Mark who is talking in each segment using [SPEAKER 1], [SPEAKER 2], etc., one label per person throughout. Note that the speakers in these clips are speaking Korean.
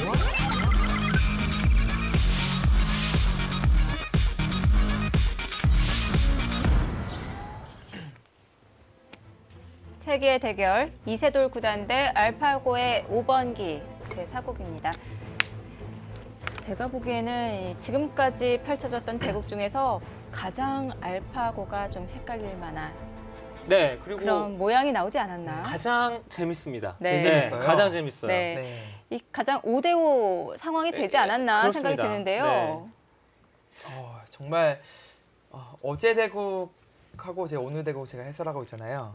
[SPEAKER 1] 세계의 대결 이세돌 구단 대 알파고의 5번기 제4국입니다. 제가 보기에는 지금까지 펼쳐졌던 대국 중에서 가장 알파고가 좀 헷갈릴 만한
[SPEAKER 2] 네, 그리고
[SPEAKER 1] 그런 모양이 나오지 않았나.
[SPEAKER 2] 가장 재밌습니다.
[SPEAKER 1] 네.
[SPEAKER 3] 제일 재밌어요.
[SPEAKER 2] 가장 재밌어요.
[SPEAKER 1] 네.
[SPEAKER 3] 네.
[SPEAKER 1] 이 가장 5대5 상황이 되지 않았나
[SPEAKER 2] 그렇습니다.
[SPEAKER 1] 생각이 드는데요.
[SPEAKER 3] 정말 어제 대국하고 이제 오늘 대국 제가 해설하고 있잖아요.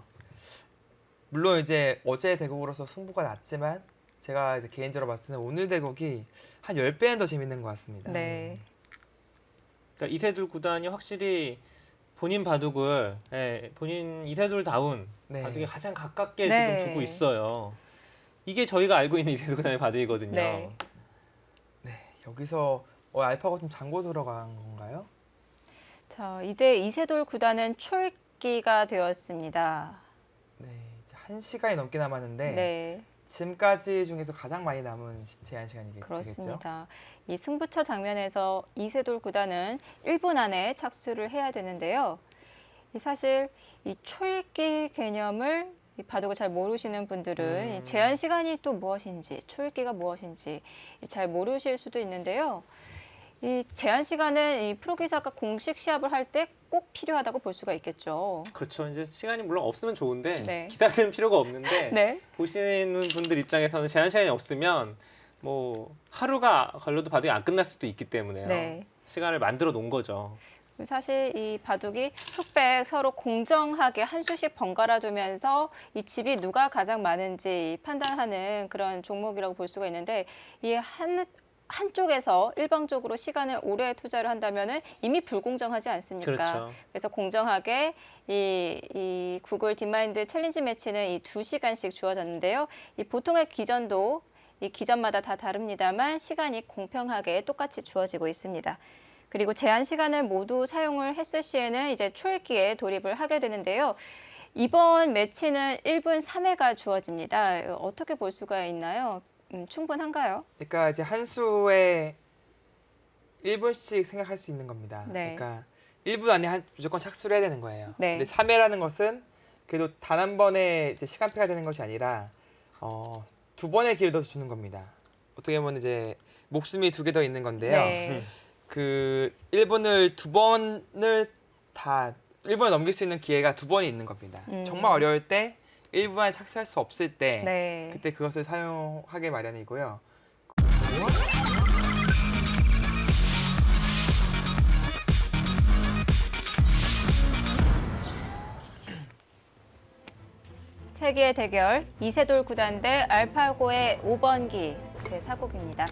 [SPEAKER 3] 물론 이제 어제 대국으로서 승부가 났지만 제가 이제 개인적으로 봤을 때는 오늘 대국이 한 10배는 더 재밌는 것 같습니다.
[SPEAKER 1] 네.
[SPEAKER 2] 그러니까 이세돌 구단이 확실히 본인 바둑을 본인 이세돌다운
[SPEAKER 3] 네.
[SPEAKER 2] 바둑에 가장 가깝게
[SPEAKER 1] 네.
[SPEAKER 2] 지금 두고 있어요. 이게 저희가 알고 있는 이세돌 구단의 바둑이거든요.
[SPEAKER 1] 네.
[SPEAKER 3] 네. 여기서 알파고 좀 잠고 들어간 건가요?
[SPEAKER 1] 자, 이제 이세돌 구단은 초읽기가 되었습니다.
[SPEAKER 3] 네. 이제 1시간이 넘게 남았는데
[SPEAKER 1] 네.
[SPEAKER 3] 지금까지 중에서 가장 많이 남은 제한 시간이 되겠죠?
[SPEAKER 1] 그렇습니다. 이 승부처 장면에서 이세돌 구단은 1분 안에 착수를 해야 되는데요. 사실 이 초읽기 개념을 이 바둑을 잘 모르시는 분들은 이 제한 시간이 또 무엇인지, 초읽기가 무엇인지 잘 모르실 수도 있는데요. 이 제한 시간은 이 프로기사가 공식 시합을 할 때 꼭 필요하다고 볼 수가 있겠죠.
[SPEAKER 2] 그렇죠. 이제 시간이 물론 없으면 좋은데
[SPEAKER 1] 네.
[SPEAKER 2] 기사는 필요가 없는데
[SPEAKER 1] 네.
[SPEAKER 2] 보시는 분들 입장에서는 제한 시간이 없으면 뭐 하루가 걸려도 바둑이 안 끝날 수도 있기 때문에요.
[SPEAKER 1] 네.
[SPEAKER 2] 시간을 만들어 놓은 거죠.
[SPEAKER 1] 사실 이 바둑이 흑백 서로 공정하게 한 수씩 번갈아 두면서 이 집이 누가 가장 많은지 판단하는 그런 종목이라고 볼 수가 있는데 이 한쪽에서 일방적으로 시간을 오래 투자를 한다면은 이미 불공정하지 않습니까?
[SPEAKER 2] 그렇죠.
[SPEAKER 1] 그래서 공정하게 이 구글 딥마인드 챌린지 매치는 이 2시간씩 주어졌는데요. 이 보통의 기전도 이 기전마다 다 다릅니다만 시간이 공평하게 똑같이 주어지고 있습니다. 그리고 제한 시간을 모두 사용을 했을 시에는 이제 초읽기에 돌입을 하게 되는데요. 이번 매치는 1분 3회가 주어집니다. 어떻게 볼 수가 있나요? 충분한가요?
[SPEAKER 3] 그러니까 이제 한 수에 1분씩 생각할 수 있는 겁니다.
[SPEAKER 1] 네.
[SPEAKER 3] 그러니까 1분 안에 무조건 착수를 해야 되는 거예요.
[SPEAKER 1] 네.
[SPEAKER 3] 근데 3회라는 것은 그래도 단 한 번에 이제 시간표가 되는 것이 아니라 두 번의 기회를 더 주는 겁니다. 어떻게 보면 이제 목숨이 두 개 더 있는 건데요.
[SPEAKER 1] 네.
[SPEAKER 3] 그 1분을 두 번을 다 1분을 넘길 수 있는 기회가 두 번이 있는 겁니다. 정말 어려울 때 1분 안에 착수할 수 없을 때
[SPEAKER 1] 네.
[SPEAKER 3] 그때 그것을 사용하게 마련이고요.
[SPEAKER 1] 세계의 대결 이세돌 구단 대 알파고의 5번기 제4국입니다.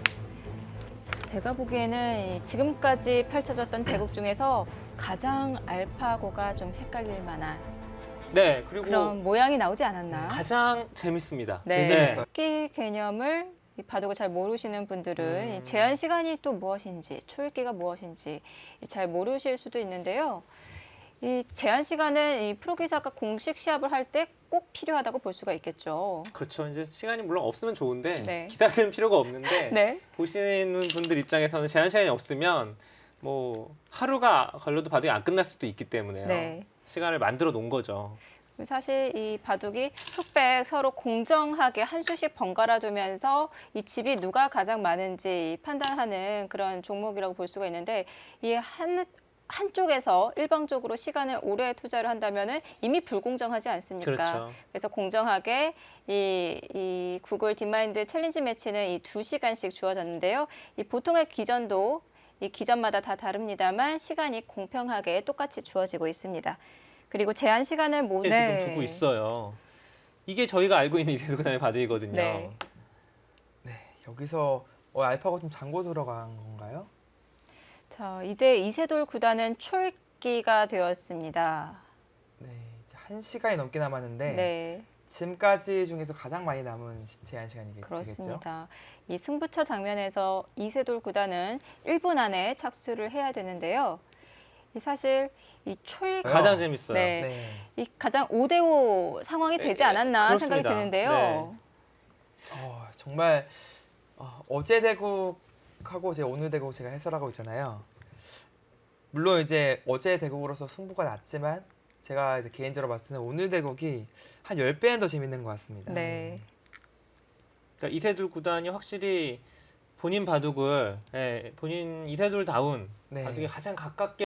[SPEAKER 1] 제가 보기에는 지금까지 펼쳐졌던 대국 중에서 가장 알파고가 좀 헷갈릴 만한
[SPEAKER 2] 네, 그리고
[SPEAKER 1] 그런 모양이 나오지 않았나.
[SPEAKER 2] 가장 재밌습니다.
[SPEAKER 1] 네.
[SPEAKER 3] 제일 재밌어요.
[SPEAKER 1] 읽기 개념을 이 바둑을 잘 모르시는 분들은 이 제한 시간이 또 무엇인지, 초읽기가 무엇인지 잘 모르실 수도 있는데요. 이 제한 시간은 이 프로기사가 공식 시합을 할 때 꼭 필요하다고 볼 수가 있겠죠.
[SPEAKER 2] 그렇죠. 이제 시간이 물론 없으면 좋은데
[SPEAKER 1] 네.
[SPEAKER 2] 기사는 필요가 없는데
[SPEAKER 1] 네.
[SPEAKER 2] 보시는 분들 입장에서는 제한 시간이 없으면 뭐 하루가 걸려도 바둑이 안 끝날 수도 있기 때문에요.
[SPEAKER 1] 네.
[SPEAKER 2] 시간을 만들어 놓은 거죠.
[SPEAKER 1] 사실 이 바둑이 흑백 서로 공정하게 한 수씩 번갈아 두면서 이 집이 누가 가장 많은지 판단하는 그런 종목이라고 볼 수가 있는데 이 한쪽에서 일방적으로 시간을 오래 투자를 한다면은 이미 불공정하지 않습니까?
[SPEAKER 2] 그렇죠.
[SPEAKER 1] 그래서 공정하게 이 구글 딥마인드 챌린지 매치는 이 2시간씩 주어졌는데요. 이 보통의 기전도 이 기전마다 다 다릅니다만 시간이 공평하게 똑같이 주어지고 있습니다. 그리고 제한 시간을 모두
[SPEAKER 2] 지금 두고 있어요. 이게 저희가 알고 있는 이세돌 구단의 바둑이거든요.
[SPEAKER 1] 네.
[SPEAKER 3] 네, 여기서 알파고 좀 잠고 들어간 건가요?
[SPEAKER 1] 자, 이제 이세돌 구단은 초읽기가 되었습니다.
[SPEAKER 3] 네, 이제 1시간이 넘게 남았는데
[SPEAKER 1] 네,
[SPEAKER 3] 지금까지 중에서 가장 많이 남은 제한 시간이 되겠죠?
[SPEAKER 1] 그렇습니다. 이 승부처 장면에서 이세돌 구단은 1분 안에 착수를 해야 되는데요. 사실 이 초읽기
[SPEAKER 2] 가장 재밌어요.
[SPEAKER 1] 네.
[SPEAKER 3] 네.
[SPEAKER 1] 이 가장 5대5 상황이 되지 않았나
[SPEAKER 2] 그렇습니다.
[SPEAKER 1] 생각이 드는데요.
[SPEAKER 3] 정말 어제 대국하고 이제 오늘 대국 제가 해설하고 있잖아요. 물론 이제 어제 대국으로서 승부가 났지만 제가 이제 개인적으로 봤을 때는 오늘 대국이 한 10배는 더 재밌는 것 같습니다.
[SPEAKER 1] 네.
[SPEAKER 2] 그러니까 이세돌 구단이 확실히 본인 바둑을 본인 이세돌다운
[SPEAKER 3] 네.
[SPEAKER 2] 바둑에 가장 가깝게